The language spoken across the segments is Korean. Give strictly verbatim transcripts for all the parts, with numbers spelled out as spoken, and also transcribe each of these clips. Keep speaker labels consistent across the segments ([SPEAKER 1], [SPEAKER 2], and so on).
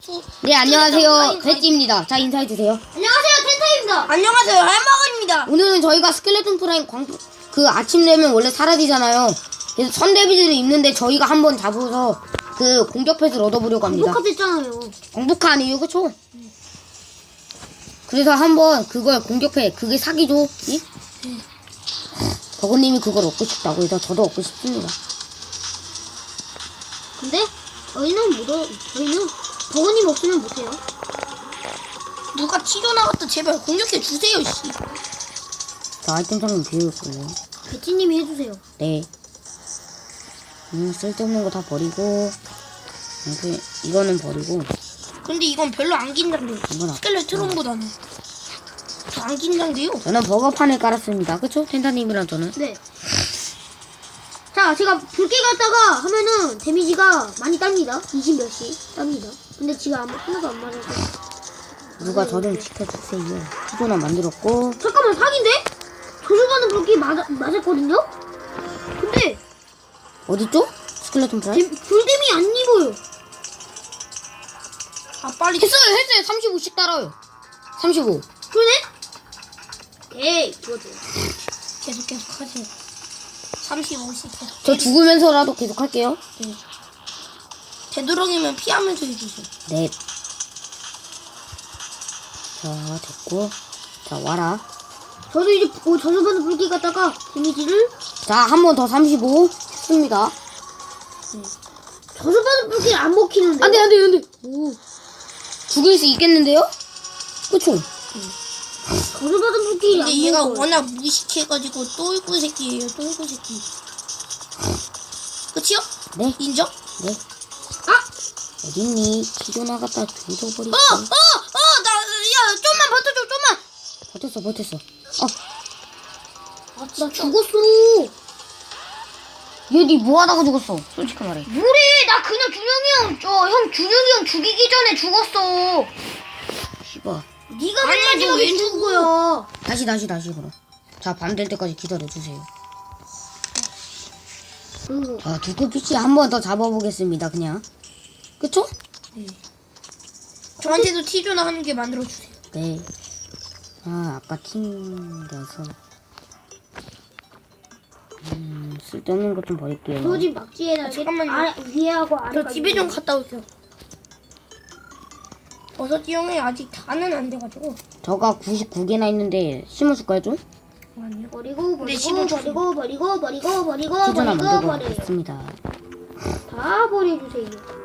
[SPEAKER 1] 투.
[SPEAKER 2] 네, 안녕하세요. 배지입니다. 자, 인사해주세요.
[SPEAKER 3] 안녕하세요, 텐타입니다.
[SPEAKER 1] 안녕하세요, 할머니입니다.
[SPEAKER 2] 오늘은 저희가 스켈레톤 프라임 광, 그 아침 되면 원래 사라지잖아요. 그래서 선데비들을 입는데 저희가 한번 잡아서 그 공격 패스를 얻어보려고 합니다.
[SPEAKER 3] 녹화됐잖아요.
[SPEAKER 2] 공복화 아니에요, 그쵸? 그래서 한번 그걸 공격해. 그게 사기죠? 이? 버거님이 그걸 얻고 싶다고 해서 저도 얻고 싶습니다.
[SPEAKER 3] 근데 저희는 못 어, 저희는 버거님 없으면 못해요.
[SPEAKER 1] 누가 튀겨 나갔다 제발 공격해 주세요, 씨.
[SPEAKER 2] 자, 아이템창은 비우고요.
[SPEAKER 3] 배치님이 해주세요.
[SPEAKER 2] 네. 음, 쓸데없는 거 다 버리고, 이렇게, 이거는 버리고,
[SPEAKER 1] 근데 이건 별로 안 긴장돼요.
[SPEAKER 2] 이건 아-
[SPEAKER 1] 스켈레트론보다는 저 안 긴장돼요.
[SPEAKER 2] 저는 버거판을 깔았습니다. 그쵸? 텐타님이랑 저는.
[SPEAKER 3] 네. 자, 제가 붉게 갔다가 하면은 데미지가 많이 땁니다. 이십 몇씩 땁니다. 근데 지금 아무 하나도 안 맞아서.
[SPEAKER 2] 누가 저 좀 지켜주세요. 수조나 만들었고,
[SPEAKER 3] 잠깐만, 사기인데? 저주받은 붉기 맞아, 맞았거든요? 근데
[SPEAKER 2] 어딨죠? 스켈레톤 프라임?
[SPEAKER 3] 데, 불뎀이 안 입어요.
[SPEAKER 1] 아 빨리.
[SPEAKER 2] 했어요, 했어요. 삼십오씩 따라요. 삼십오.
[SPEAKER 3] 그러네? 오케이, 좋아, 좋아.
[SPEAKER 1] 계속 계속 하세요. 삼십오씩 계속.
[SPEAKER 2] 저 죽으면서라도 계속 할게요.
[SPEAKER 1] 되도록이면 피하면서 해주세요.
[SPEAKER 2] 네. 자, 됐고. 자, 와라.
[SPEAKER 3] 저도 이제 어, 저주받은 붉기 갔다가 데미지를
[SPEAKER 2] 자, 한 번 더 삼십오 했습니다.
[SPEAKER 3] 저주받은 붉기를 안 먹히는데.
[SPEAKER 2] 안 돼, 안 돼, 안 돼. 오. 죽일 수 있겠는데요? 그쵸?
[SPEAKER 3] 저주받은 붉기를 안
[SPEAKER 1] 근데 얘가
[SPEAKER 3] 먹어요.
[SPEAKER 1] 워낙 무식해가지고 똘구 새끼예요, 똘구 새끼. 그치요?
[SPEAKER 2] 네.
[SPEAKER 1] 인정?
[SPEAKER 2] 네.
[SPEAKER 3] 아!
[SPEAKER 2] 어딨니? 기조 나갔다 조져버리고.
[SPEAKER 1] 어! 어! 어! 나, 야, 좀만 버텨줘, 좀만!
[SPEAKER 2] 버텼어, 버텼어. 어,
[SPEAKER 3] 아, 나 죽었어.
[SPEAKER 2] 얘니 뭐하다가 죽었어? 솔직히 말해.
[SPEAKER 3] 뭐래? 나 그냥 준영이 형, 저 형 준영이 형 죽이기 전에 죽었어.
[SPEAKER 2] 씨발.
[SPEAKER 3] 네가
[SPEAKER 1] 아니,
[SPEAKER 3] 맨 마지막에
[SPEAKER 1] 왜
[SPEAKER 3] 죽은 거야.
[SPEAKER 2] 다시, 다시, 다시, 그럼. 자, 밤 될 때까지 기다려주세요.
[SPEAKER 3] 그리고
[SPEAKER 2] 자, 두꺼 피치 한 번 더 잡아보겠습니다, 그냥. 그쵸?
[SPEAKER 1] 저한테도 티존 하는 게 만들어주세요.
[SPEAKER 2] 네. 아, 아까 튕겨서. 음, 쓸데없는 것 좀 버릴게요.
[SPEAKER 3] 저 집 막지에다
[SPEAKER 1] 잠깐만요.
[SPEAKER 3] 아래, 위에하고 아래.
[SPEAKER 1] 저 집에 좀 갔다 올게요. 버섯이 형이 아직 다는 안 돼가지고.
[SPEAKER 2] 저가 구십구 개나 있는데 심어줄까요, 좀?
[SPEAKER 1] 아니요.
[SPEAKER 3] 버리고
[SPEAKER 1] 근데
[SPEAKER 3] 버리고
[SPEAKER 1] 심은
[SPEAKER 3] 버리고 버리고 버리고 버리고
[SPEAKER 2] 기존
[SPEAKER 3] 버리고
[SPEAKER 2] 만들고
[SPEAKER 3] 버려요.
[SPEAKER 2] 있습니다.
[SPEAKER 3] 다 버려주세요.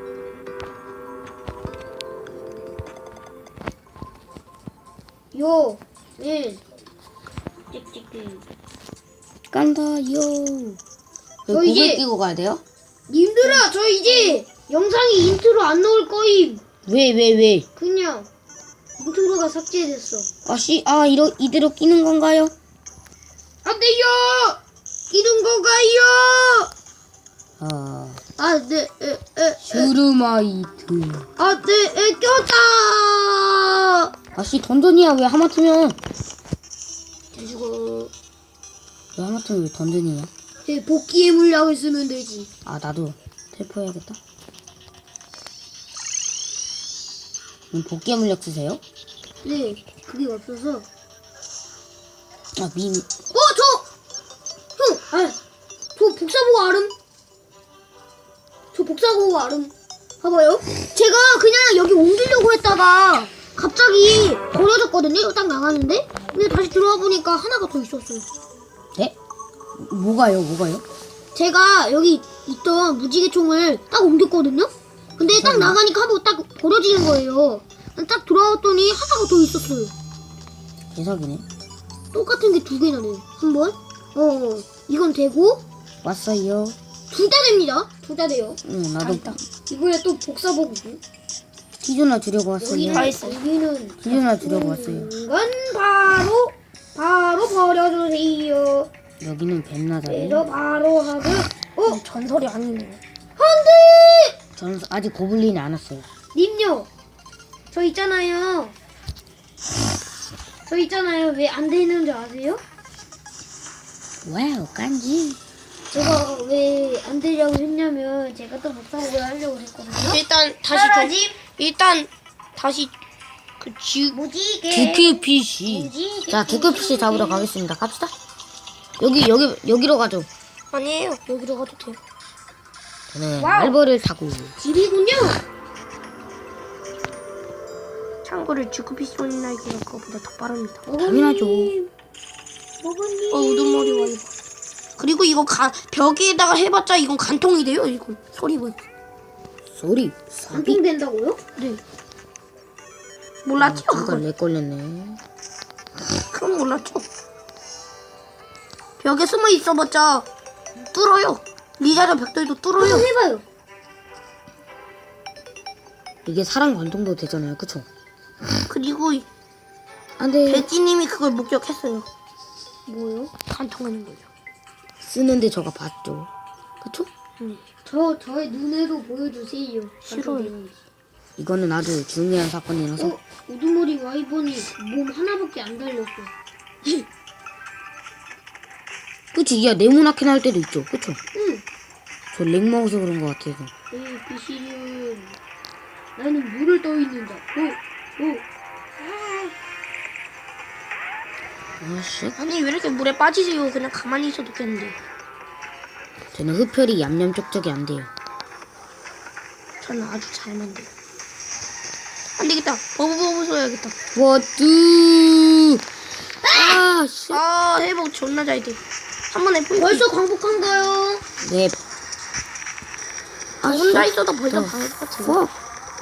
[SPEAKER 3] 요, 일, 찍찍찍.
[SPEAKER 2] 깐다요.
[SPEAKER 3] 저
[SPEAKER 2] 고글
[SPEAKER 3] 이제-
[SPEAKER 2] 끼고 가야 돼요?
[SPEAKER 3] 님들아, 저 이제 영상이 인트로 안 나올 거임.
[SPEAKER 2] 왜, 왜, 왜?
[SPEAKER 3] 그냥 인트로가 삭제됐어.
[SPEAKER 2] 아, 씨, 아, 이러, 이대로 끼는 건가요?
[SPEAKER 3] 안 돼요! 이런 거가요!
[SPEAKER 2] 아,
[SPEAKER 3] 아, 네, 에, 에, 에.
[SPEAKER 2] 슈르마이트.
[SPEAKER 3] 아, 네, 에, 꼈다!
[SPEAKER 2] 아, 씨, 던전이야. 왜 하마터면.
[SPEAKER 3] 잘 죽어.
[SPEAKER 2] 왜 하마터면 왜 던전이야?
[SPEAKER 3] 제 복귀의 물약을 쓰면 되지.
[SPEAKER 2] 아, 나도 텔포해야겠다. 음, 복귀 물력 쓰세요?
[SPEAKER 3] 네, 그게 없어서.
[SPEAKER 2] 아, 미,
[SPEAKER 3] 어, 저! 형! 아, 저 복사보고 알음? 저 복사보고 알음. 봐봐요. 제가 그냥 여기 옮기려고 했다가 갑자기 버려졌거든요? 딱 나가는데? 근데 다시 들어와 보니까 하나가 더 있었어요.
[SPEAKER 2] 네? 뭐가요, 뭐가요?
[SPEAKER 3] 제가 여기 있던 무지개총을 딱 옮겼거든요? 근데 딱 나가니까 하고 딱 버려지는 거예요. 딱 들어왔더니 하나가 더 있었어요.
[SPEAKER 2] 개석이네.
[SPEAKER 3] 똑같은 게 두 개나 돼요. 한 번. 어, 어. 이건 되고,
[SPEAKER 2] 왔어요.
[SPEAKER 3] 둘 다 됩니다. 둘 다 돼요.
[SPEAKER 2] 응, 나도
[SPEAKER 3] 이거에 또 복사보고고.
[SPEAKER 2] 기존나 주려고 왔어요.
[SPEAKER 3] 여기는,
[SPEAKER 1] 다 했어요.
[SPEAKER 3] 여기는.
[SPEAKER 2] 기존나 주려고 왔어요.
[SPEAKER 3] 이건 바로, 바로 버려주세요.
[SPEAKER 2] 여기는 뱀나다리.
[SPEAKER 3] 그래서 바로 하고, 어,
[SPEAKER 1] 전설이 아니네요.
[SPEAKER 3] 안 돼!
[SPEAKER 2] 저는 아직 고블린이 안 왔어요.
[SPEAKER 3] 님요. 저 있잖아요. 저 있잖아요. 왜 안 되는 줄 아세요?
[SPEAKER 2] 와우, 깐지.
[SPEAKER 3] 제가 왜 안 되려고 했냐면 제가 또 복사복을 하려고 했거든요.
[SPEAKER 1] 일단 다시 좀
[SPEAKER 3] 사라짐
[SPEAKER 1] 일단 다시 그 지,
[SPEAKER 3] 뭐지 이게?
[SPEAKER 2] 두큐피쉬.
[SPEAKER 3] 뭐지?
[SPEAKER 2] 자, 두큐피쉬 잡으러 가겠습니다. 갑시다. 여기, 여기, 여기로 가죠.
[SPEAKER 1] 아니에요. 여기로 가도 돼요.
[SPEAKER 2] 저는
[SPEAKER 3] 와우.
[SPEAKER 2] 말벌을 타고.
[SPEAKER 3] 집이군요.
[SPEAKER 1] 참고로 주크피쉬 날개가 그거보다 더 빠릅니다.
[SPEAKER 2] 당연하죠.
[SPEAKER 3] 먹었니?
[SPEAKER 1] 어, 우두머리 와이버. 그리고 이거 가, 벽에다가 해봤자 이건 간통이 돼요, 이건. 소리만.
[SPEAKER 2] 소리. 사비.
[SPEAKER 3] 간통된다고요?
[SPEAKER 1] 네. 몰랐죠,
[SPEAKER 2] 잠깐
[SPEAKER 1] 그건.
[SPEAKER 2] 렉 걸렸네.
[SPEAKER 1] 그건 몰랐죠. 벽에 숨어 있어봤자 뚫어요. 리자르 벽돌도 뚫어요.
[SPEAKER 3] 한번 해봐요.
[SPEAKER 2] 이게 사람 관통도 되잖아요. 그쵸?
[SPEAKER 1] 그리고
[SPEAKER 2] 안 돼.
[SPEAKER 1] 배지님이 그걸 목격했어요.
[SPEAKER 3] 뭐요?
[SPEAKER 1] 간통하는 거죠.
[SPEAKER 2] 쓰는데 저가 봤죠. 그쵸?
[SPEAKER 1] 응.
[SPEAKER 3] 저 저의 눈으로 보여주세요.
[SPEAKER 1] 싫어요.
[SPEAKER 2] 이거는 아주 중요한 사건이라서.
[SPEAKER 3] 어, 우두머리 와이번이 몸 하나밖에 안 달렸어.
[SPEAKER 2] 그치? 야, 네모나게 나올 때도 있죠. 그쵸?
[SPEAKER 3] 응.
[SPEAKER 2] 저 렉 먹어서 그런 것 같아서.
[SPEAKER 3] 내 비실은 나는 물을 떠 있는 자. 오, 오.
[SPEAKER 2] 아씨.
[SPEAKER 1] 아니 왜 이렇게 물에 빠지세요? 그냥 가만히 있어도 되는데.
[SPEAKER 2] 저는 흡혈이 얌얌 쪽쪽이 안 돼요.
[SPEAKER 1] 저는 아주 잘 만들어요. 안 되겠다. 버브버브 써야겠다.
[SPEAKER 2] 워뚜. 아, 씨.
[SPEAKER 1] 아 회복 존나 잘 돼. 한 번에 포인트.
[SPEAKER 3] 벌써 광복한가요?
[SPEAKER 2] 네.
[SPEAKER 1] 아, 혼자 있어도 벌써 방할 것 같은데.
[SPEAKER 2] 어,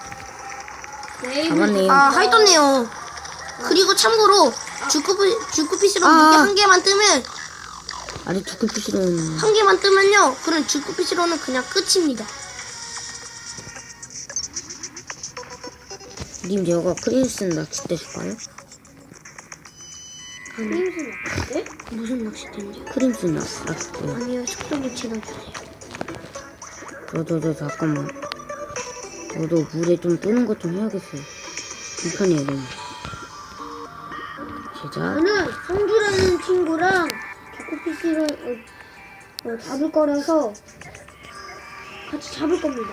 [SPEAKER 3] 네.
[SPEAKER 2] 잡았네요.
[SPEAKER 1] 아 하이떴네요. 그리고 참고로 주크피 주크피스로
[SPEAKER 2] 아.
[SPEAKER 1] 무게 한 개만 뜨면
[SPEAKER 2] 아니, 두꺼피쉬는.
[SPEAKER 1] 한 개만 뜨면요. 그럼 주크피스로는 그냥 끝입니다.
[SPEAKER 2] 님, 저거 크림슨 낚시 때 줄까요?
[SPEAKER 3] 크림슨 어때?
[SPEAKER 1] 무슨 낚싯대인지.
[SPEAKER 2] 크림슨 낚시 낚시 때.
[SPEAKER 1] 아니요 속도 붙이나 주세요.
[SPEAKER 2] 저, 저, 저, 잠깐만. 저도 물에 좀 뜨는 것 좀 해야겠어요. 불편해요, 너무. 제작.
[SPEAKER 3] 저는 성주라는 친구랑 조코피스를 어, 어, 잡을 거라서 같이 잡을 겁니다.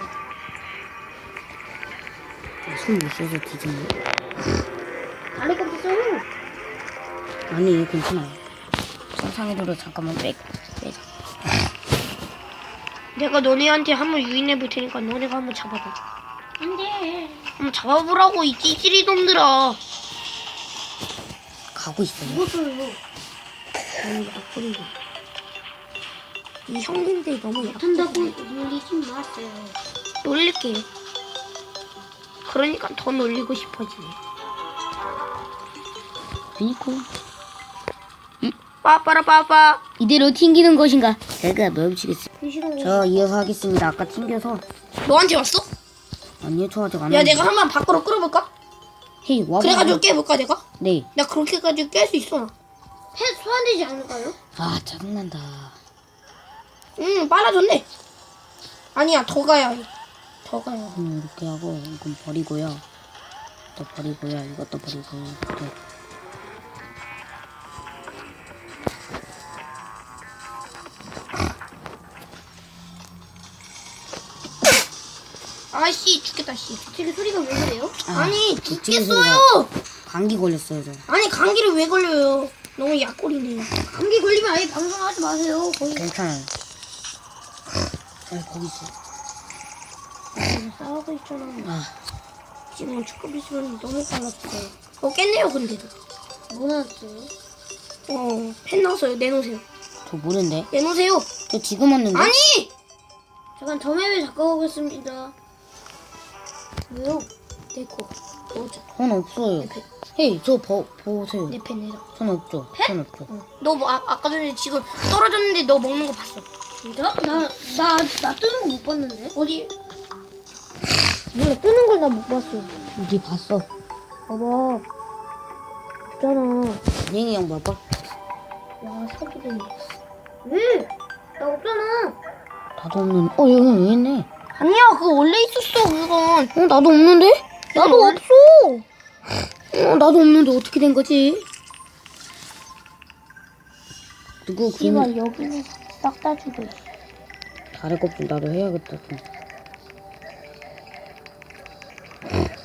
[SPEAKER 2] 손 못 써서 뒤졌네.
[SPEAKER 3] 다리 껍질 써요.
[SPEAKER 2] 아니, 괜찮아요. 상상의 도로 잠깐만 빼, 빼자.
[SPEAKER 1] 내가 너네한테 한번 유인해 볼 테니까 너네가 한번 잡아봐.
[SPEAKER 3] 안 돼.
[SPEAKER 1] 한번 잡아보라고 이 찌질이 놈들아.
[SPEAKER 2] 가고 있어요.
[SPEAKER 3] 이것도요.
[SPEAKER 1] 아니 약불이고. 이 형님들이 너무
[SPEAKER 3] 못한다고
[SPEAKER 1] 약한다고
[SPEAKER 3] 놀리지 마세요.
[SPEAKER 1] 놀릴게요. 그러니까 더 놀리고 싶어지네.
[SPEAKER 2] 그니까.
[SPEAKER 1] 빠빠라빠빠.
[SPEAKER 2] 이대로 튕기는 것인가? 제가 멈추겠습니다.
[SPEAKER 3] 비실은
[SPEAKER 2] 저 이어서 하겠습니다. 아까 튕겨서.
[SPEAKER 1] 너한테 왔어?
[SPEAKER 2] 아니요, 저 아직 안
[SPEAKER 1] 야
[SPEAKER 2] 왔는데.
[SPEAKER 1] 내가 한번 밖으로 끌어볼까?
[SPEAKER 2] 헤이, 와봐.
[SPEAKER 1] 그래가지고 깨볼까 내가?
[SPEAKER 2] 네.
[SPEAKER 1] 나 그렇게까지 깰 수 있어.
[SPEAKER 3] 펫 소환되지 않을까요?
[SPEAKER 2] 아, 짜증난다.
[SPEAKER 1] 응 빨라졌네. 아니야 더 가야 해. 더 가야 해.
[SPEAKER 2] 음, 이렇게 하고, 이건 버리고요. 또 버리고요. 이것도 버리고, 이것도.
[SPEAKER 1] 아씨 죽겠다 씨.
[SPEAKER 3] 되게 소리가 왜 그래요?
[SPEAKER 2] 아,
[SPEAKER 1] 아니
[SPEAKER 2] 죽겠어요.
[SPEAKER 1] 죽겠어요.
[SPEAKER 2] 감기 걸렸어요, 저.
[SPEAKER 1] 아니 감기를 왜 걸려요? 너무 약골이네.
[SPEAKER 3] 감기 걸리면 아예 방송하지 마세요. 거의
[SPEAKER 2] 괜찮아요. 아, 거기 있어.
[SPEAKER 1] 지금 싸우고 있잖아.
[SPEAKER 2] 아,
[SPEAKER 1] 지금 축구비 시간이 너무 빨랐어요. 어 깼네요 근데도.
[SPEAKER 3] 뭐 나왔어요?
[SPEAKER 1] 어펜 나왔어요. 내놓으세요.
[SPEAKER 2] 저 모르는데.
[SPEAKER 1] 내놓으세요.
[SPEAKER 2] 저 지금 왔는데.
[SPEAKER 1] 아니.
[SPEAKER 3] 잠깐 점액을 잠깐 오겠습니다.
[SPEAKER 1] 왜요? 내거 넣어줘.
[SPEAKER 2] 전 없어요.
[SPEAKER 1] 내 펜.
[SPEAKER 2] 헤이, 저 보, 보세요.
[SPEAKER 1] 내 펜 내놔.
[SPEAKER 2] 전 없죠. 전 없죠.
[SPEAKER 1] 너 뭐, 아, 아까 전에 지금 떨어졌는데 너 먹는 거 봤어.
[SPEAKER 3] 진짜? 나, 나, 나 뜨는 거 못 봤는데?
[SPEAKER 1] 어디?
[SPEAKER 3] 몰라, 뜨는 걸 나 못 봤어.
[SPEAKER 2] 어디 봤어?
[SPEAKER 3] 봐봐. 없잖아.
[SPEAKER 2] 안녕히 형 봐봐.
[SPEAKER 1] 와 사기네.
[SPEAKER 3] 왜? 나 없잖아.
[SPEAKER 2] 나도 없는. 어, 여기 왜 있네?
[SPEAKER 1] 아니야 그거 원래 있었어 그건.
[SPEAKER 2] 어, 나도 없는데?
[SPEAKER 1] 나도 없어.
[SPEAKER 2] 어, 나도 없는데 어떻게 된 거지? 누구 그
[SPEAKER 1] 씨발 여기는 싹 다 죽여.
[SPEAKER 2] 다리 껍질 나도 해야겠다. 좀.